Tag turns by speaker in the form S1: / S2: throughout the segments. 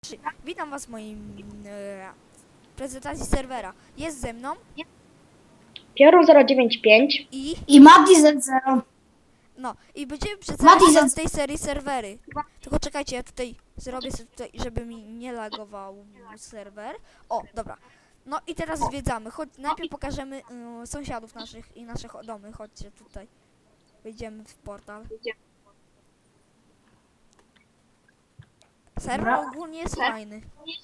S1: graczy, witam was w moim prezentacji serwera. Jest ze mną
S2: Piorun 095.
S1: i
S3: Mati Z0.
S1: no i będziemy przedstawiać
S3: Mati
S1: wam
S3: Z-
S1: z tej serii serwery. Tylko czekajcie, ja tutaj zrobię sobie tutaj, żeby mi nie lagował serwer. O, dobra. No i teraz zwiedzamy. Najpierw pokażemy sąsiadów naszych i nasze domy. Chodźcie tutaj. Wejdziemy w portal. Serwer
S3: Dobra.
S1: ogólnie jest fajny.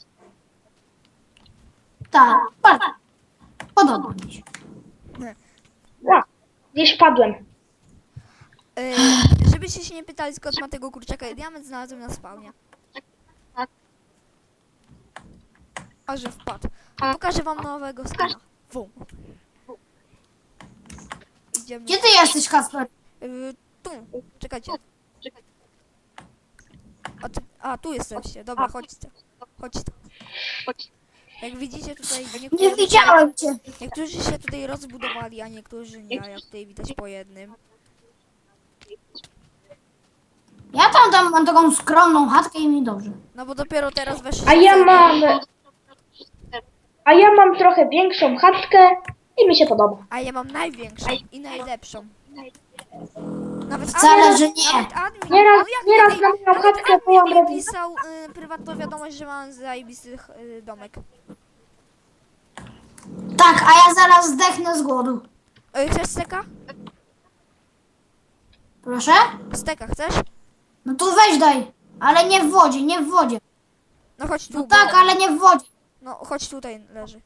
S3: Tak, bardzo. Podoba mi się.
S2: Ła, gdzieś padłem.
S1: Żebyście się nie pytali, skąd ma tego kurczaka, diament znalazłem na spawnie. A że wpadł. Pokażę wam nowego skina. Wum. Idziemy.
S3: Gdzie ty jesteś, Kasper?
S1: Tu. Czekajcie. Tu jesteście. Dobra, chodźcie. Chodźcie. Jak widzicie tutaj
S3: Nie widziałem cię.
S1: niektórzy się tutaj rozbudowali, a niektórzy nie, jak tutaj widać po jednym.
S3: Ja tam mam taką skromną chatkę i mi dobrze.
S1: No bo dopiero teraz weszli.
S2: A ja mam trochę większą chatkę i mi się podoba.
S1: A ja mam największą i najlepszą. Nawet
S3: Wcale, że nie.
S1: Nawet admin,
S2: Nieraz na moją chatkę byłam
S1: admin mi
S2: robić.
S1: pisał prywatną wiadomość, że mam zajebisty domek.
S3: Tak, a ja zaraz zdechnę z głodu.
S1: Chcesz steka?
S3: Proszę?
S1: Steka, chcesz?
S3: No to weź daj. Ale nie w wodzie, nie w wodzie.
S1: No chodź tu.
S3: No tak, ale nie w wodzie.
S1: No chodź tutaj leży.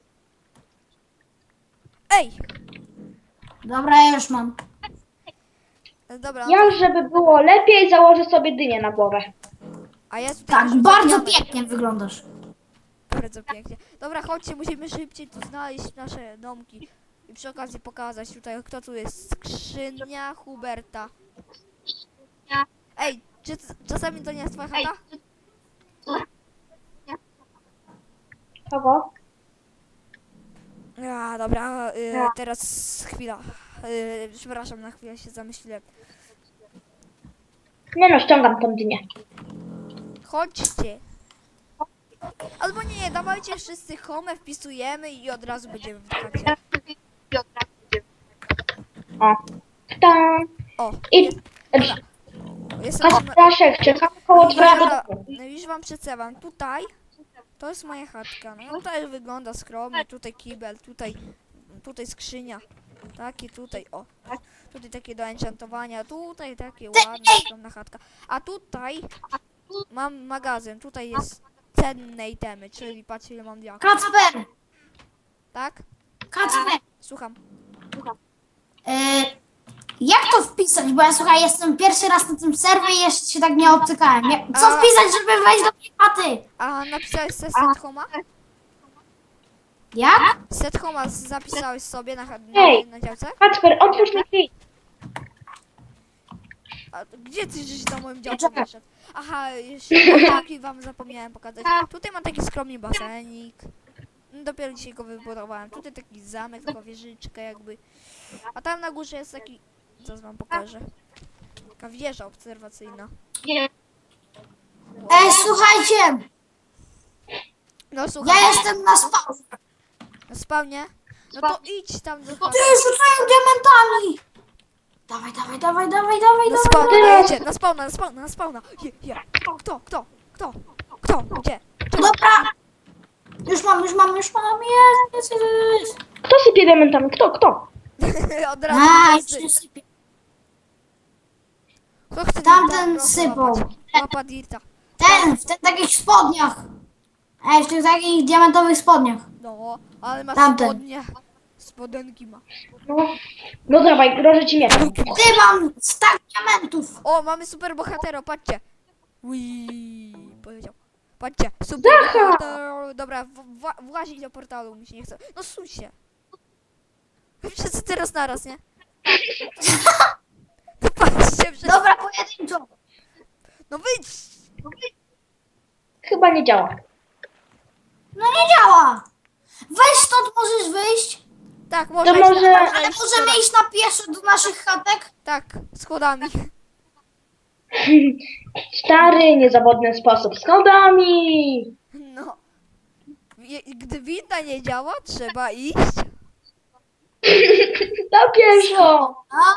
S1: Ej!
S3: Dobra, ja już mam.
S1: Dobra, no
S2: Ja, żeby było lepiej, założę sobie dynię na głowę.
S1: a ja tutaj
S3: Tak,
S1: rzucam
S3: bardzo
S1: diament.
S3: pięknie wyglądasz.
S1: Bardzo pięknie. Dobra, chodźcie, musimy szybciej tu znaleźć nasze domki. I przy okazji pokazać tutaj, kto tu jest. Skrzynia Huberta. Ej, czy czasami to nie jest twoja chata?
S2: Kogo?
S1: Dobra, teraz chwila. Przepraszam, na chwilę się zamyśliłem.
S2: Nie no, ściągam tą dynię.
S1: Chodźcie. Albo nie, dawajcie wszyscy home, wpisujemy i od razu będziemy w chacie.
S2: O. Tam.
S1: O,
S2: I
S1: jestem...
S2: Kaszek, czekam koło twojego
S1: Dobra,
S2: domu.
S1: no już wam przedstawiam. Tutaj to jest moja chatka. No tutaj wygląda skromnie, tutaj kibel, tutaj skrzynia. Takie tutaj, o. Tutaj takie do enchantowania, tutaj takie ładna, skromna chatka. A tutaj mam magazyn, tutaj jest cenne itemy, czyli patrzcie ile mam diaków.
S3: Kacper!
S1: Tak?
S3: Kacper!
S1: Słucham.
S3: E, jak to wpisać? Bo ja słuchaj, jestem pierwszy raz na tym serwie i jeszcze się tak nie obcykałem. Co
S1: A-
S3: wpisać, żeby wejść do tej chaty?
S1: A napisałeś se set homa?
S3: Jak?
S1: Set homa zapisałeś sobie
S2: Ej.
S1: na działce?
S2: Kacper, otwórz mi drzwi.
S1: A gdzie ty żeś do moim działku
S2: Czekaj.
S1: wyszedł? Aha, jeszcze taki wam zapomniałem pokazać. Tutaj mam taki skromny basenik. Dopiero dzisiaj go wybudowałem. Tutaj taki zamek, taka wieżyczka jakby. A tam na górze jest taki... Zaraz wam pokażę. Taka wieża obserwacyjna.
S3: Ej, słuchajcie!
S1: No słuchaj,
S3: Ja jestem na spawnie.
S1: na spawnie. No to idź tam do
S3: Ty rzucają diamentami! Dawaj, dawaj, dawaj, dawaj, dawaj,
S1: Na
S3: dawaj.
S1: spawna,
S2: dawaj.
S1: dajcie, na spawna, na spawna, na spawna. Kto? Gdzie? Czemu?
S3: Dobra. Już mam, jest.
S2: Kto sypie diamentami? Kto?
S1: Od razu
S3: A,
S1: wszyscy.
S3: już sypie.
S1: Kto chce
S3: Tamten
S1: dirta?
S3: sypał.
S1: Łapa dirta.
S3: W tych takich spodniach. Ej, w tych takich diamentowych spodniach.
S1: No, ale ma
S3: Tamten.
S1: spodnie. Spodenki ma.
S2: No dawaj, grożę ci miecz.
S3: Ty mam stak diamentów.
S1: O, mamy super bohatero, patrzcie. Ui, powiedział. Patrzcie, super bohatero. Dobra, włazić do portalu, mi się nie chce. No suń się. Wszyscy teraz naraz, nie? No patrzcie, wszyscy.
S3: Dobra, pojedynczo.
S1: No wyjdź.
S2: Chyba nie działa.
S3: No nie działa. Weź stąd, możesz wyjść.
S1: Tak, można
S2: To
S1: iść
S2: może-
S1: na,
S3: Ale możemy iść na pieszo do naszych chatek.
S1: Tak, schodami.
S2: Stary, niezawodny sposób z schodami.
S1: No. Gdy winda nie działa, trzeba iść.
S2: Na pieszo.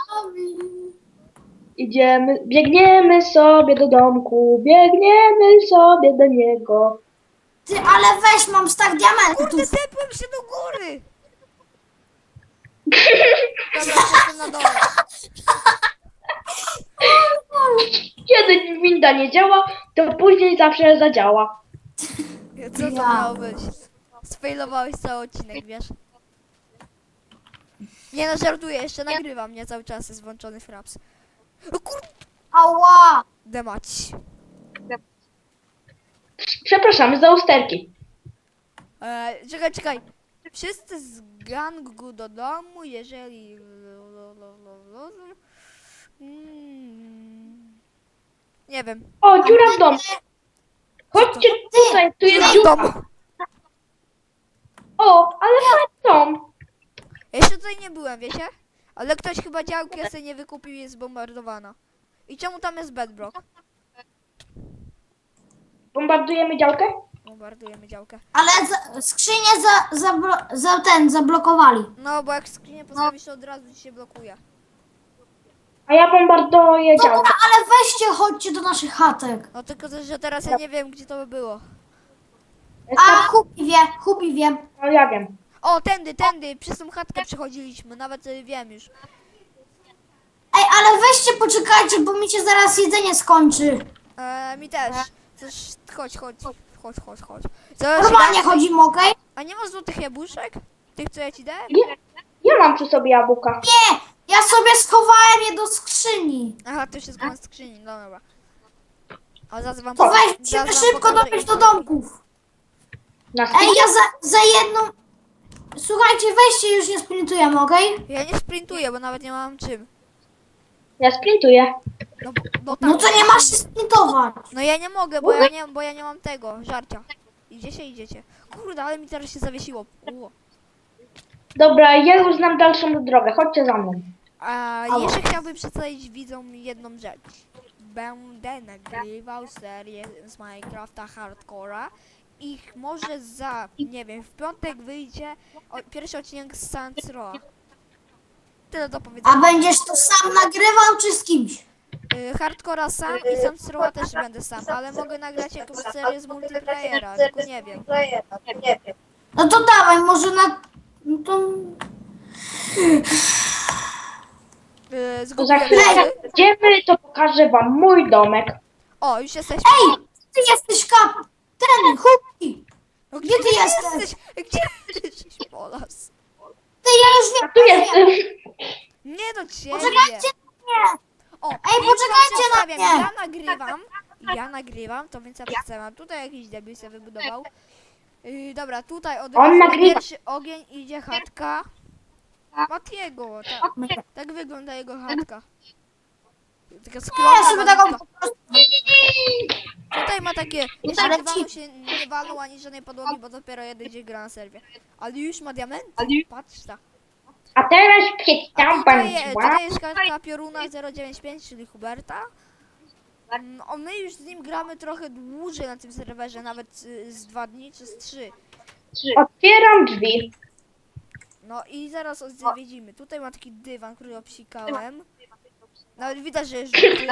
S2: Idziemy, biegniemy sobie do domku, biegniemy sobie do niego.
S3: Ty, ale weź, mam stack
S1: Kurde,
S3: diamentów.
S1: tepłem się do góry. Dobra, jestem na dole.
S2: Kiedy winda nie działa, to później zawsze zadziała.
S1: Co to
S3: Ja.
S1: miało być? Sfailowałeś cały odcinek, wiesz? Nie no, żartuję, jeszcze nagrywam, nie cały czas jest włączony fraps. O kurde,
S3: Ała.
S1: mać.
S2: Przepraszamy za usterki.
S1: Czekaj. Wszyscy z gangu do domu, jeżeli... Nie wiem.
S2: O, dziura w domu. Chodźcie tutaj, tu jest
S1: W
S2: dziura.
S1: domu.
S2: O, ale fajny dom.
S1: Ja jeszcze tutaj nie byłem, wiecie? Ale ktoś chyba działkę sobie nie wykupił i jest zbombardowana. I czemu tam jest bedrock?
S2: Bombardujemy działkę?
S1: Bombardujemy działkę.
S3: Ale skrzynię zablokowali.
S1: No, bo jak skrzynię postawisz, to od razu ci się blokuje.
S2: A ja bombarduję działkę.
S3: Dobra, ale weźcie, chodźcie do naszych chatek.
S1: No tylko, że teraz ja nie wiem, gdzie to by było.
S3: A, Hubi wie.
S2: No ja wiem.
S1: O, tędy, przez tą chatkę przechodziliśmy, nawet wiem już.
S3: Ej, ale weźcie, poczekajcie, bo mi się zaraz jedzenie skończy.
S1: Mi też. Coś, chodź. Co,
S3: Normalnie
S1: się da?
S3: chodzimy, okej?
S1: A nie masz złotych jabłuszek? Tych, co ja ci dałem?
S2: Ja mam przy sobie jabłka.
S3: Nie, ja sobie schowałem je do skrzyni.
S1: Aha, to się z skrzyni, no dobra. A zaraz wam
S3: To
S1: zaraz
S3: weźcie
S1: wam
S3: szybko
S1: pokażę
S3: dobić
S1: ich
S3: do
S1: domki.
S3: domków.
S2: Na
S3: Ej,
S2: sprincie?
S3: ja za jedną... Słuchajcie, weźcie, już nie sprintujemy, okej?
S1: Ja nie sprintuję, bo nawet nie mam czym.
S2: Ja sprintuję.
S1: No
S3: No to nie masz się sprintować.
S1: No ja nie mogę, bo ja nie mam tego, żarcia. Idziecie. Kurde, ale mi teraz się zawiesiło.
S2: Dobra, ja już znam dalszą drogę. Chodźcie za mną.
S1: A jeszcze chciałbym przedstawić widzom jedną rzecz. Będę nagrywał serię z Minecrafta Hardcora i może za, nie wiem, w piątek wyjdzie pierwszy odcinek z Saints Row. Tyle do
S3: A
S1: powiedzenia.
S3: będziesz to sam nagrywał, czy z kimś?
S1: Hardcora sam i Saints Row też będę sam, ale mogę nagrać jakąś serię z multiplayera, tylko nie wiem.
S3: No to dawaj, może na... No to...
S2: To za
S1: Zgubiłem
S2: chwilę
S1: się.
S2: jak będziemy, to pokażę wam mój domek.
S1: O, już jesteśmy.
S3: Ej, ty jesteś ten, Hubi.
S1: No,
S3: gdzie ty jesteś?
S1: Gdzie ty jesteś, Polas?
S3: Ty, ja już
S2: A
S3: wiem.
S2: tu jestem.
S1: Nie do ciebie.
S3: Poczekajcie na mnie.
S1: O,
S3: Ej,
S1: więc wam
S3: poczekajcie na
S1: przedstawiam.
S3: mnie.
S1: Ja nagrywam, to więc ja przedstawiam. Tutaj jakiś debil się wybudował. Dobra, tutaj od
S2: On
S1: razu
S2: nagrywa.
S1: pierwszy ogień idzie chatka Matiego. Tak wygląda jego chatka. Taka
S3: Ja
S1: skromna
S3: sobie taką
S1: malutka.
S3: po prostu...
S1: Tutaj ma takie, jeszcze
S3: Ale
S1: dywanów się nie walą ani żadnej podłogi, bo dopiero jeden dzień gra na serwie. Ale już ma diamenty, patrz ta.
S2: A teraz
S1: A
S2: przedstawiam wam
S1: tutaj jest kartka pioruna 095, czyli Huberta. My już z nim gramy trochę dłużej na tym serwerze, nawet z 2 dni czy z 3.
S2: Otwieram drzwi.
S1: No i zaraz odwiedzimy. Tutaj ma taki dywan, który obsikałem. Nawet widać, że jest żółty.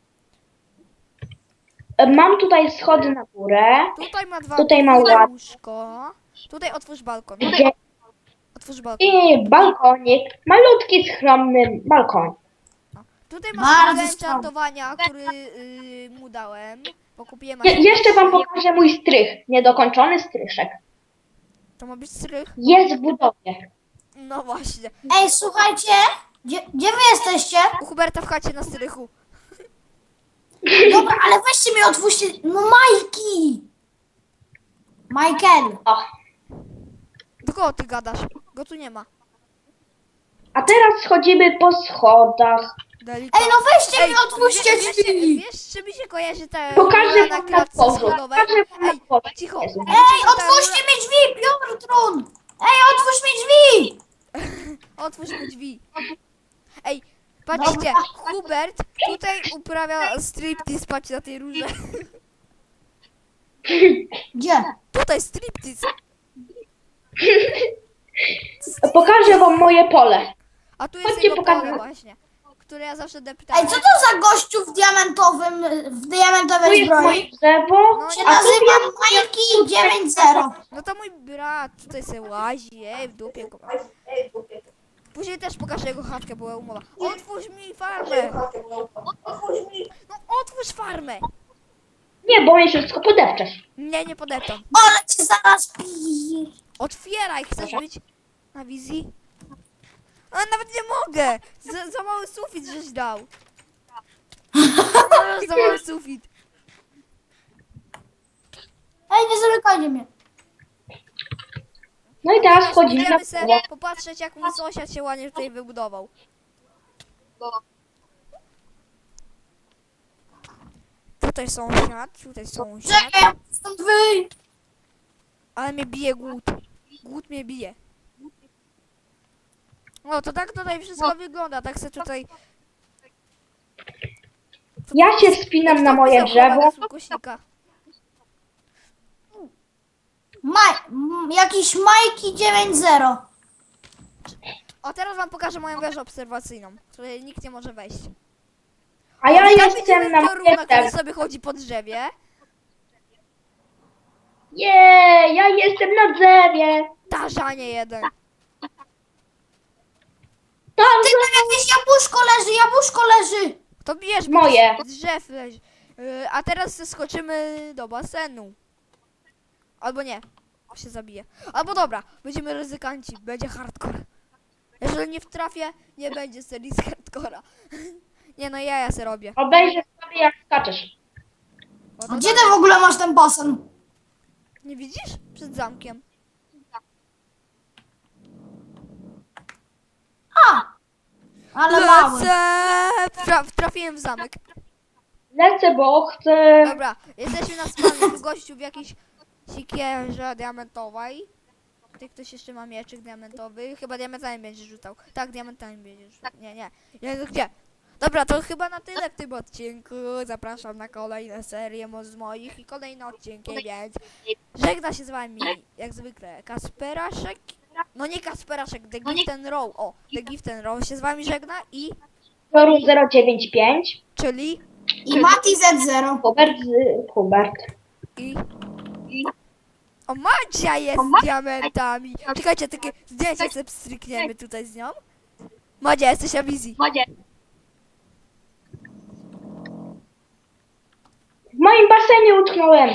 S2: Mam tutaj schody na górę.
S1: Tutaj ma dwa
S2: Tutaj ma
S1: podwójne
S2: ład.
S1: łóżko. Tutaj otwórz balkon.
S2: Gdzie?
S1: Otwórz balkon.
S2: I balkonik. Malutki, skromny balkon.
S1: Tutaj ma
S3: Bardzo
S1: skrzynkę
S3: skromny.
S1: enchantowania, który mu dałem. Bo kupiłem
S2: Jeszcze wam pokażę mój strych. Niedokończony stryszek.
S1: To ma być strych?
S2: Jest w budowie.
S1: No właśnie.
S3: Ej, słuchajcie, gdzie wy jesteście?
S1: U Huberta w chacie na strychu.
S3: Dobra, ale weźcie mnie otwórzcie. No Majki! Michael.
S2: O.
S1: Do kogo ty gadasz? Go tu nie ma.
S2: A teraz schodzimy po schodach.
S1: Delikatnie.
S3: Ej, no weźcie mnie, otwórzcie drzwi.
S1: Wiesz, czy mi się kojarzy ta
S2: Pokażę
S1: rura na
S2: wam na
S1: klatce
S2: dworzu.
S1: schodowej?
S2: Pokażę wam na
S1: Ej,
S2: dworzu.
S1: cicho.
S2: Jezu.
S3: Ej, otwórzcie mi drzwi, Piotrun! Ej, otwórz mi drzwi!
S1: Otwórz mi drzwi. Ej, Patrzcie, Hubert tutaj uprawia striptease, patrzcie na tej róże.
S3: Gdzie?
S1: Tutaj striptease.
S2: Pokażę wam moje pole.
S1: A tu jest
S2: Chodźcie,
S1: jego
S2: pokażę.
S1: pole właśnie, które ja zawsze deptałem.
S3: Ej, co to za gościu w
S2: Tu
S3: diamentowej
S2: jest
S3: zbroi?
S2: moje drzewo,
S1: No
S3: Się
S2: a tu
S3: nazywa
S2: jest...
S3: Majki 9-0.
S1: No to mój brat tutaj se łazi, w dupie go. Później też pokażę jego chatkę, była umowa. Otwórz mi farmę! No otwórz farmę!
S2: Nie, bo mnie wszystko podepczesz.
S1: Nie, nie podeptam.
S3: Ale cię zaraz piję.
S1: Otwieraj, chcesz być na wizji? Ale nawet nie mogę! Za mały sufit żeś dał. Za mały sufit.
S3: Ej, nie zamykajcie mnie.
S2: No i teraz wchodzimy na
S1: Idziemy se
S2: pole.
S1: popatrzeć, jak mój sąsiad się ładnie tutaj wybudował. Tutaj sąsiad, tutaj sąsiad.
S3: Czekaj, stąd wyj.
S1: Ale mnie bije głód. Głód mnie bije. No to tak tutaj wszystko wygląda, tak se tutaj...
S2: Ja się wspinam na moje drzewo.
S1: Kośnika.
S3: Jakiś Majki 9-0.
S1: O, teraz wam pokażę moją wieżę obserwacyjną, w której nikt nie może wejść.
S2: A ja
S1: Tam
S2: jestem
S1: widzimy
S2: na
S1: pioruna,
S2: moje
S1: który
S2: drzewo.
S1: sobie chodzi po drzewie.
S2: Nie, ja jestem na drzewie.
S1: Tarzanie jeden.
S2: Tam
S3: Ty, tam jakieś jabłuszko leży.
S1: To bierz,
S2: Moje.
S1: z drzew leży. A teraz skoczymy do basenu. Albo nie, się zabije. Albo dobra, będziemy ryzykanci, będzie hardcore. Jeżeli nie wtrafię, nie będzie serii z hardcora. Nie no, ja se robię.
S2: obejrzę sobie jak skaczesz.
S1: No to
S3: A gdzie ty w ogóle masz ten basen?
S1: nie widzisz? Przed zamkiem.
S3: Ale mały.
S1: Lecę! Trafiłem w zamek.
S2: Lecę, bo chcę...
S1: Dobra, jesteśmy na spawnie, tu gościu w jakiejś sikierze diamentowej. Tutaj ktoś jeszcze ma mieczyk diamentowy. Chyba diamentami będzie rzucał. Tak, diamentami będzie rzucał. Nie. Jezu, gdzie? Dobra, to chyba na tyle w tym odcinku. Zapraszam na kolejne serie z moich i kolejne odcinki, więc żegna się z wami, jak zwykle, Kasperaszek. No nie Kasperaszek, The Gift and Row. O, The Gift and Row się z wami żegna i...
S2: Toru 095.
S1: Czyli...
S3: I Mati Z0.
S2: Hubert.
S1: I... O, Madzia jest z diamentami. Czekajcie, takie zdjęcie sobie strykniemy tutaj z nią. Madzia, jesteś na wizji.
S2: W moim basenie utknąłem.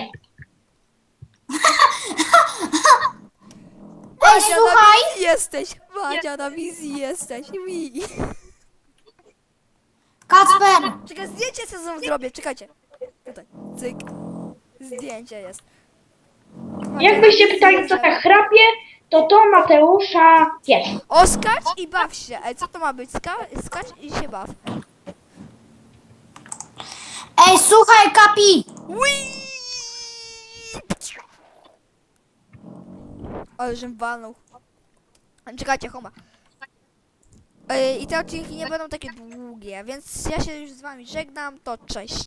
S3: Ej,
S1: Na
S3: słuchaj.
S1: wizji jesteś. Madzia, na wizji jesteś. Mi.
S3: Kacper.
S1: Czekaj, zdjęcie sobie zrobię, czekajcie. Tutaj, cyk. Zdjęcie jest. Madzia,
S2: Jakbyście
S1: na wizji
S2: pytali, co
S1: jest.
S2: tak chrapie, to Mateusza pies.
S1: O, skacz i baw się. Ej, co to ma być? Skacz i się baw.
S3: Ej, słuchaj, Kapi.
S1: Whee! Ale żem walnął. Czekajcie, homa. I te odcinki nie będą takie długie, więc ja się już z wami żegnam, to cześć.